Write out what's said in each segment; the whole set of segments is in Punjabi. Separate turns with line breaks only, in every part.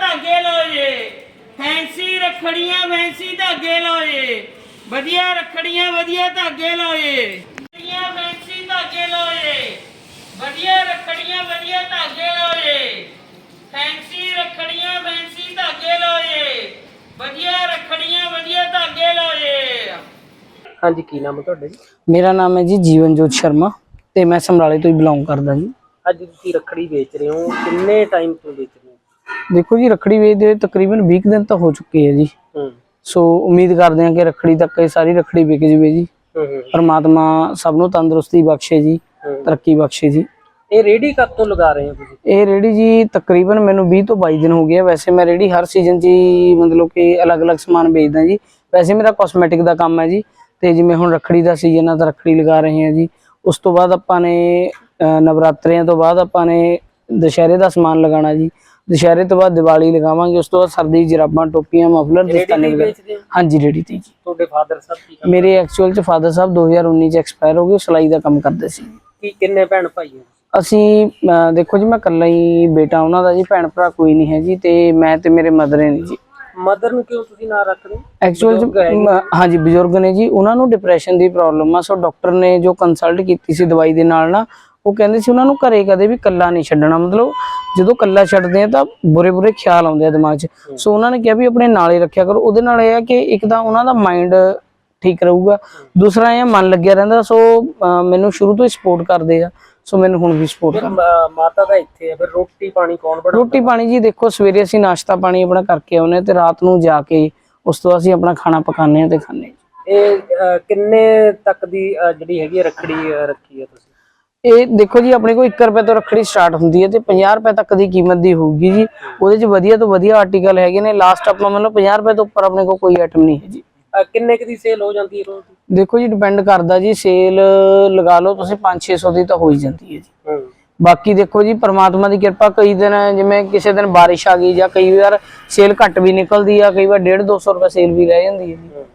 धागे लो जे फैंसी रखड़ियां फैंसी धागे लो जे वधिया रखड़ियां वधिया धागे लो जे फैंसी धागे लो जे वधिया रखड़ियां वधिया धागे लो जे फैंसी रखड़ियां फैंसी धागे लो जे वधिया रखड़ियां वधिया धागे लो जे।
हाँ जी, की नाम है तुहाडा जी?
मेरा नाम है जी जीवनजोत शर्मा ते मैं समराले तो ही बिलोंग करदा जी।
अज तुसीं रखड़ी बेच रहे हो, किन्ने टाइम तो बेच रहे हो?
देखो जी रखड़ी बेचदे तकरीबन 20 दिन तो हो चुके हैं जी। सो उम्मीद करते हैं कि रखड़ी तक ये सारी रखड़ी बिक जाए जी। परमात्मा सबनों तंदुरुस्ती बख्शे जी, तरक्की बख्शे जी।
ये रेडी कब तो लगा रहे हो तुसीं?
ये रेडी जी तकरीबन मैनू 20 तो 22 दिन हो गए। वैसे मैं रेडी हर सीजन च मतलब कि अलग अलग समान बेचदा जी। वैसे मेरा कॉस्मैटिक का काम है जी। तो जिमें हुण रखड़ी का सीजन है तो रखड़ी लगा रहे हैं जी। उस तो बाद आपां ने नवरात्रियां तो बाद आपां ने दशहरे का समान लगाना जी। दशहरे तो बाद दिवाली लगावांगे। उस तो बाद सर्दी जराबां टोपियां मफलर दस्ताने वगैरह। हाँ जी रेडी थी जी।
ਤੁਹਾਡੇ ਫਾਦਰ ਸਾਹਿਬ ਕੀ ਕੰਮ
मेरे एक्चुअल च फादर साहब 2019 च एक्सपायर हो गए। सिलाई का काम करते सी।
ਕੀ ਕਿੰਨੇ ਭੈਣ ਭਾਈ ਹੋ?
ਅਸੀਂ देखो जी मैं कल्ला ही बेटा उन्हों का जी, भैन भरा कोई नहीं है जी। तो मैं ते मेरे मदर है जी।
ਮਦਰ ਨੂੰ ਕਿਉਂ ਤੁਸੀਂ ਨਾ ਰੱਖ ਰਹੇ?
एक्चुअल हाँ जी बजुर्ग ने जी, उन्होंने डिप्रैशन की प्रॉब्लम आ। सो डॉक्टर ने जो कंसल्ट की दवाई के नाल ना वो कहते सी उन्होंने घरे कदे भी कल्ला नहीं छड्डना। मतलब जो कल्ला छड्डदे आ तां बुरे बुरे ख्याल आउंदे आ दिमाग च। सो उन्होंने कहा भी अपने नाल ही रखिया करो। उहदे नाल इह है कि एक तां उन्हां दा माइंड ठीक रहूगा, दूसरा यह मन लग्या रहिंदा। सो मैनूं शुरू तो ही सपोर्ट करदे आ। सो मैनूं हुण भी सपोर्ट कर।
ਮਾਤਾ ਦਾ ਇੱਥੇ ਹੈ, ਫਿਰ ਰੋਟੀ ਪਾਣੀ ਕੌਣ ਬਣਾਉਂਦਾ?
रोटी पानी जी देखो सवेरे असीं नाश्ता पानी अपना करके आउने ते रात नूं जाके उस तो असीं अपना खाना पकाने ते खाने।
ਇਹ ਕਿੰਨੇ ਤੱਕ ਦੀ ਜਿਹੜੀ ਹੈਗੀ ਰੱਖੜੀ ਰੱਖੀ ਹੈ ਤੁਸੀਂ?
ਇਹ ਦੇਖੋ ਜੀ ਆਪਣੇ ਕੋਲ 1 ਰੁਪਏ ਤੋਂ ਰੱਖੜੀ ਸਟਾਰਟ ਹੁੰਦੀ ਹੈ ਤੇ 50 ਰੁਪਏ ਤੱਕ ਦੀ ਕੀਮਤ ਦੀ ਹੋਊਗੀ ਜੀ। ਉਹਦੇ ਚ ਵਧੀਆ ਤੋਂ ਵਧੀਆ ਆਰਟੀਕਲ ਹੈਗੇ ਨੇ। ਲਾਸਟ ਆਪਾਂ ਮਤਲਬ 50 ਰੁਪਏ ਤੋਂ ਉੱਪਰ ਆਪਣੇ ਕੋਲ ਕੋਈ ਆਈਟਮ ਨਹੀਂ ਹੈ ਜੀ।
ਕਿੰਨੇ ਕੁ ਦੀ ਸੇਲ ਹੋ ਜਾਂਦੀ ਹੈ ਰੋਜ਼ ਦੀ?
ਦੇਖੋ ਜੀ ਡਿਪੈਂਡ ਕਰਦਾ ਜੀ। ਸੇਲ ਲਗਾ ਲਓ ਤੁਸੀਂ 500-600 ਦੀ ਤਾਂ ਹੋ ਹੀ ਜਾਂਦੀ ਹੈ ਜੀ। ਬਾਕੀ ਦੇਖੋ ਜੀ परमात्मा ਦੀ ਕਿਰਪਾ, ਕਈ ਦਿਨ ਜਿਵੇਂ ਕਿਸੇ ਦਿਨ ਬਾਰਿਸ਼ ਆ ਗਈ ਜਾਂ ਕਈ ਵਾਰ ਸੇਲ ਘੱਟ ਵੀ ਨਿਕਲਦੀ ਆ, ਕਈ ਵਾਰ 150-200 ਰੁਪਏ ਸੇਲ ਵੀ ਰਹਿ ਜਾਂਦੀ ਹੈ ਜੀ।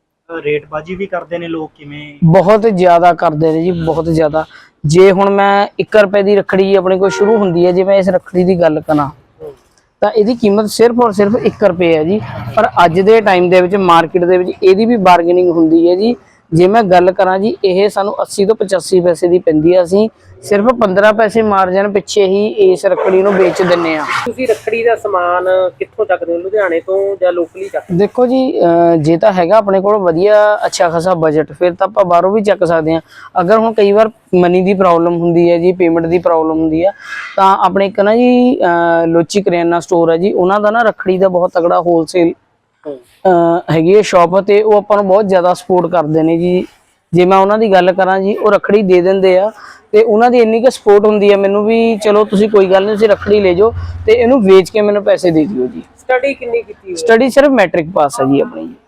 ਰੇਟਬਾਜੀ ਵੀ ਕਰਦੇ ਨੇ ਲੋਕ ਕਿਵੇਂ?
ਬਹੁਤ ਜ਼ਿਆਦਾ ਕਰਦੇ ਨੇ ਜੀ, ਬਹੁਤ ਜ਼ਿਆਦਾ। ਜੇ ਹੁਣ ਮੈਂ 1 ਰੁਪਏ ਦੀ ਰੱਖੜੀ ਆਪਣੇ ਕੋਲ ਸ਼ੁਰੂ ਹੁੰਦੀ ਹੈ, ਜੇ ਮੈਂ ਇਸ ਰੱਖੜੀ ਦੀ ਗੱਲ ਕਰਾਂ ਤਾਂ ਇਹਦੀ ਕੀਮਤ ਸਿਰਫ ਔਰ ਸਿਰਫ 1 ਰੁਪਏ ਹੈ ਜੀ। ਪਰ ਅੱਜ ਦੇ ਟਾਈਮ ਦੇ ਵਿੱਚ ਮਾਰਕੀਟ ਦੇ ਵਿੱਚ ਇਹਦੀ ਵੀ ਬਾਰਗੇਨਿੰਗ ਹੁੰਦੀ ਹੈ ਜੀ। ਜੇ ਮੈਂ ਗੱਲ ਕਰਾਂ ਜੀ ਇਹ ਸਾਨੂੰ 80 ਤੋਂ 85 ਪੈਸੇ ਦੀ ਪੈਂਦੀ ਆ। ਅਸੀਂ ਸਿਰਫ 15 ਪੈਸੇ ਮਾਰਜਨ ਪਿੱਛੇ ਹੀ ਇਸ ਰੱਖੜੀ ਨੂੰ ਵੇਚ ਦਿੰਨੇ ਆ।
ਤੁਸੀਂ ਰੱਖੜੀ ਦਾ ਸਮਾਨ ਕਿੱਥੋਂ ਚੱਕਦੇ ਹੋ, ਲੁਧਿਆਣੇ ਤੋਂ ਜਾਂ ਲੋਕਲੀ ਚੱਕਦੇ?
ਦੇਖੋ ਜੀ ਜੇ ਤਾਂ ਹੈਗਾ ਆਪਣੇ ਕੋਲ ਵਧੀਆ ਅੱਛਾ ਖਾਸਾ ਬਜਟ, ਫਿਰ ਤਾਂ ਆਪਾਂ ਬਾਹਰੋਂ ਵੀ ਚੱਕ ਸਕਦੇ ਆ। ਅਗਰ ਹੁਣ ਕਈ ਵਾਰ ਮਨੀ ਦੀ ਪ੍ਰੋਬਲਮ ਹੁੰਦੀ ਹੈ ਜੀ, ਪੇਮੈਂਟ ਦੀ ਪ੍ਰੋਬਲਮ ਹੁੰਦੀ ਆ, ਤਾਂ ਆਪਣੇ ਇੱਕ ਨਾ ਜੀ ਲੋਚੀ ਕਰਿਆਨਾ ਸਟੋਰ ਹੈ ਜੀ, ਉਹਨਾਂ ਦਾ ਨਾ ਰੱਖੜੀ ਦਾ ਬਹੁਤ ਤਗੜਾ ਹੋਲਸੇਲ ਹੈਗੀ ਹੈ ਸ਼ਾਪ, ਤੇ ਉਹ ਆਪਾਂ ਨੂੰ ਬਹੁਤ ਜ਼ਿਆਦਾ ਸਪੋਰਟ ਕਰਦੇ ਨੇ ਜੀ। ਜੇ ਮੈਂ ਉਹਨਾਂ ਦੀ ਗੱਲ ਕਰਾਂ ਜੀ, ਉਹ ਰੱਖੜੀ ਦੇ ਦਿੰਦੇ ਆ ਤੇ ਉਹਨਾਂ ਦੀ ਇੰਨੀ ਕੁ ਸਪੋਰਟ ਹੁੰਦੀ ਹੈ ਮੈਨੂੰ ਵੀ, ਚਲੋ ਤੁਸੀਂ ਕੋਈ ਗੱਲ ਨਹੀਂ, ਤੁਸੀਂ ਰੱਖੜੀ ਲੈ ਜਾਓ ਤੇ ਇਹਨੂੰ ਵੇਚ ਕੇ ਮੈਨੂੰ ਪੈਸੇ ਦੇ ਦਿਓ ਜੀ।
ਸਟੱਡੀ ਕਿੰਨੀ ਕੀਤੀ ਹੋਈ?
ਸਟੱਡੀ ਸਿਰਫ ਮੈਟ੍ਰਿਕ ਪਾਸ ਹੈ ਜੀ ਆਪਣੀ ਜੀ।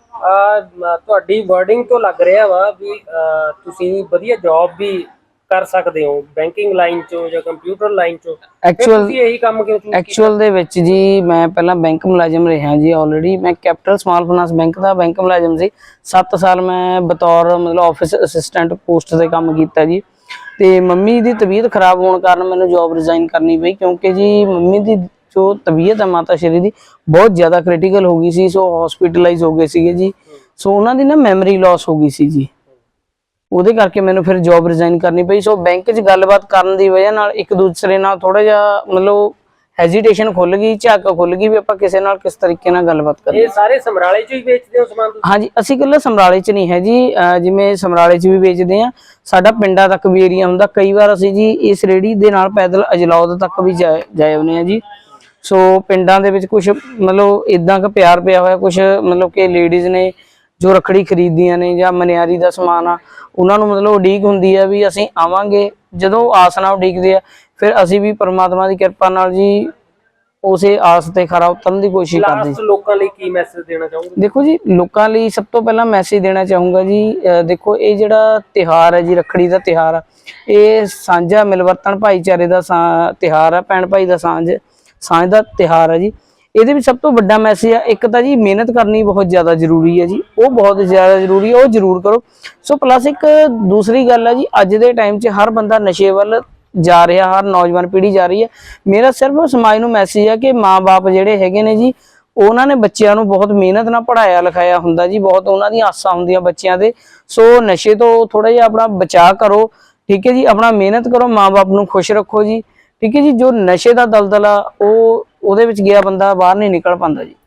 ਤੁਹਾਡੀ ਵਰਡਿੰਗ ਤੋਂ ਲੱਗ ਰਿਹਾ ਵਾ ਵੀ ਤੁਸੀਂ ਵਧੀਆ ਜੌਬ ਵੀ ਕਰ ਸਕਦੇ ਹੋ, ਬੈਂਕਿੰਗ ਲਾਈਨ ਚੋਂ ਜਾਂ ਕੰਪਿਊਟਰ ਲਾਈਨ ਚੋਂ। ਤੁਸੀਂ ਇਹੀ ਕੰਮ ਕਿਉਂ ਚੂਜ਼ ਕੀਤਾ?
ਐਕਚੁਅਲ ਦੇ ਵਿੱਚ ਜੀ ਮੈਂ ਪਹਿਲਾਂ ਬੈਂਕ ਮੁਲਾਜ਼ਮ ਰਿਹਾ ਜੀ। ਆਲਰੇਡੀ ਮੈਂ ਕੈਪੀਟਲ ਸਮਾਲ ਫਾਈਨਾਂਸ ਬੈਂਕ ਦਾ ਬੈਂਕ ਮੁਲਾਜ਼ਮ ਸੀ। 7 ਸਾਲ ਮੈਂ ਬਤੌਰ ਮਤਲਬ ਆਫਿਸ ਅਸਿਸਟੈਂਟ ਪੋਸਟ ਤੇ ਕੰਮ ਕੀਤਾ ਜੀ। ਤੇ ਮੰਮੀ ਦੀ ਤਬੀਅਤ ਖਰਾਬ ਹੋਣ ਕਾਰਨ ਮੈਨੂੰ ਜੌਬ ਰਿਜ਼ਾਈਨ ਕਰਨੀ ਪਈ, ਕਿਉਂਕਿ ਜੀ ਮੰਮੀ ਦੀ ਜੋ ਤਬੀਅਤ ਹੈ ਮਾਤਾ ਸ਼੍ਰੀ ਦੀ ਬਹੁਤ ਜ਼ਿਆਦਾ ਕ੍ਰਿਟੀਕਲ ਹੋ ਗਈ ਸੀ। ਸੋ ਹਸਪੀਟਲਾਈਜ਼ ਹੋ ਗਏ ਸੀਗੇ ਜੀ। ਸੋ ਉਹਨਾਂ ਦੀ ਨਾ ਮੈਮਰੀ ਲਾਸ ਹੋ ਗਈ ਸੀ ਜੀ। ਉਹਦੇ ਕਰਕੇ ਮੈਨੂੰ ਫਿਰ ਜੌਬ ਰਿਜ਼ਾਈਨ ਕਰਨੀ ਪਈ। ਸੋ ਬੈਂਕ 'ਚ ਗੱਲਬਾਤ ਕਰਨ ਦੀ ਵਜ੍ਹਾ ਨਾਲ ਇੱਕ ਦੂਸਰੇ ਨਾਲ ਥੋੜਾ ਜਿਹਾ ਮਤਲਬ ਹੈਜ਼ੀਟੇਸ਼ਨ ਖੁੱਲ ਗਈ, ਝਾਕ ਖੁੱਲ ਗਈ ਵੀ ਆਪਾਂ ਕਿਸੇ ਨਾਲ ਕਿਸ ਤਰੀਕੇ ਨਾਲ ਗੱਲਬਾਤ ਕਰੀਏ।
ਇਹ ਸਾਰੇ ਸਮਰਾਲੇ 'ਚ ਹੀ ਵੇਚਦੇ ਹੋ ਸਮਾਨ ਤੁਸੀਂ?
ਹਾਂਜੀ ਅਸੀਂ ਇਕੱਲੇ ਸਮਰਾਲੇ 'ਚ ਨਹੀਂ ਹੈ ਜੀ, ਜਿਵੇਂ ਸਮਰਾਲੇ 'ਚ ਵੀ ਵੇਚਦੇ ਆ, ਸਾਡਾ ਪਿੰਡਾਂ ਤੱਕ ਵੀ ਏਰੀਆ ਹੁੰਦਾ। ਕਈ ਵਾਰ ਅਸੀਂ ਜੀ ਇਸ ਰੇਹੜੀ ਦੇ ਨਾਲ ਪੈਦਲ ਅਜਲੌਦ ਤੱਕ ਵੀ ਜਾਏ ਆਉਂਦੇ ਆ ਜੀ। ਸੋ ਪਿੰਡਾਂ ਦੇ ਵਿੱਚ ਕੁਛ ਮਤਲਬ ਇਦਾਂ ਕ ਪਿਆਰ ਪਿਆ ਹੋਇਆ, ਕੁਛ ਮਤਲਬ ਕਿ ਲੇਡੀਜ਼ ਨੇ ਜੋ ਰੱਖੜੀ ਖਰੀਦਦੀਆਂ ਨੇ ਜਾਂ ਮਨਿਆਰੀ ਦਾ ਸਮਾਨ ਆ, ਉਹਨਾਂ ਨੂੰ ਮਤਲਬ ਉਡੀਕ ਹੁੰਦੀ ਆ ਵੀ ਅਸੀਂ ਆਵਾਂਗੇ। ਜਦੋਂ ਆਸ ਨਾਲ ਉਡੀਕਦੇ ਆ, ਫਿਰ ਅਸੀਂ ਵੀ ਪਰਮਾਤਮਾ ਦੀ ਕਿਰਪਾ ਨਾਲ ਜੀ ਉਸੇ ਆਸ ਤੇ ਖਰਾ ਉਤਰਨ ਦੀ ਕੋਸ਼ਿਸ਼ ਕਰਦੇ।
ਲਾਸਟ ਲੋਕਾਂ ਲਈ ਕੀ ਮੈਸੇਜ ਦੇਣਾ ਚਾਹੋਗੇ?
ਦੇਖੋ ਜੀ ਲੋਕਾਂ ਲਈ ਸਭ ਤੋਂ ਪਹਿਲਾਂ ਮੈਸੇਜ ਦੇਣਾ ਚਾਹੂੰਗਾ ਜੀ, ਦੇਖੋ ਇਹ ਜਿਹੜਾ ਤਿਉਹਾਰ ਹੈ ਜੀ, ਰੱਖੜੀ ਦਾ ਤਿਉਹਾਰ ਆ, ਇਹ ਸਾਂਝਾ ਮਿਲਵਰਤਨ ਭਾਈਚਾਰੇ ਦਾ ਤਿਉਹਾਰ ਆ, ਭੈਣ ਭਾਈ ਦਾ ਸਾਂਝ ਦਾ ਤਿਉਹਾਰ ਹੈ ਜੀ। ਇਹਦੇ ਵਿੱਚ ਸਭ ਤੋਂ ਵੱਡਾ ਮੈਸੇਜ ਆ, ਇੱਕ ਤਾਂ ਜੀ ਮਿਹਨਤ ਕਰਨੀ ਬਹੁਤ ਜ਼ਿਆਦਾ ਜ਼ਰੂਰੀ ਹੈ ਜੀ, ਉਹ ਬਹੁਤ ਜ਼ਿਆਦਾ ਜ਼ਰੂਰੀ ਹੈ, ਉਹ ਜ਼ਰੂਰ ਕਰੋ। ਸੋ ਪਲੱਸ ਇੱਕ ਦੂਸਰੀ ਗੱਲ ਹੈ ਜੀ, ਅੱਜ ਦੇ ਟਾਈਮ 'ਚ ਹਰ ਬੰਦਾ ਨਸ਼ੇ ਵੱਲ ਜਾ ਰਿਹਾ, ਹਰ ਨੌਜਵਾਨ ਪੀੜ੍ਹੀ ਜਾ ਰਹੀ ਹੈ। ਮੇਰਾ ਸਿਰਫ ਸਮਾਜ ਨੂੰ ਮੈਸੇਜ ਹੈ ਕਿ ਮਾਂ-ਬਾਪ ਜਿਹੜੇ ਹੈਗੇ ਨੇ ਜੀ, ਉਹਨਾਂ ਨੇ ਬੱਚਿਆਂ ਨੂੰ ਬਹੁਤ ਮਿਹਨਤ ਨਾਲ ਪੜ੍ਹਾਇਆ ਲਿਖਾਇਆ ਹੁੰਦਾ ਜੀ, ਬਹੁਤ ਉਹਨਾਂ ਦੀਆਂ ਆਸਾਂ ਹੁੰਦੀਆਂ ਬੱਚਿਆਂ ਦੇ। ਸੋ ਨਸ਼ੇ ਤੋਂ ਥੋੜਾ ਜਿਹਾ ਆਪਣਾ ਬਚਾਅ ਕਰੋ, ਠੀਕ ਹੈ ਜੀ, ਆਪਣਾ ਮਿਹਨਤ ਕਰੋ, ਮਾਂ-ਬਾਪ ਨੂੰ ਖੁਸ਼ ਰੱਖੋ ਜੀ, ਠੀਕ ਹੈ ਜੀ। ਜੋ ਨਸ਼ੇ ਦਾ ਦਲਦਲ ਆ ਉਹਦੇ ਵਿੱਚ ਗਿਆ ਬੰਦਾ ਬਾਹਰ ਨਹੀਂ ਨਿਕਲ ਪਾਉਂਦਾ ਜੀ।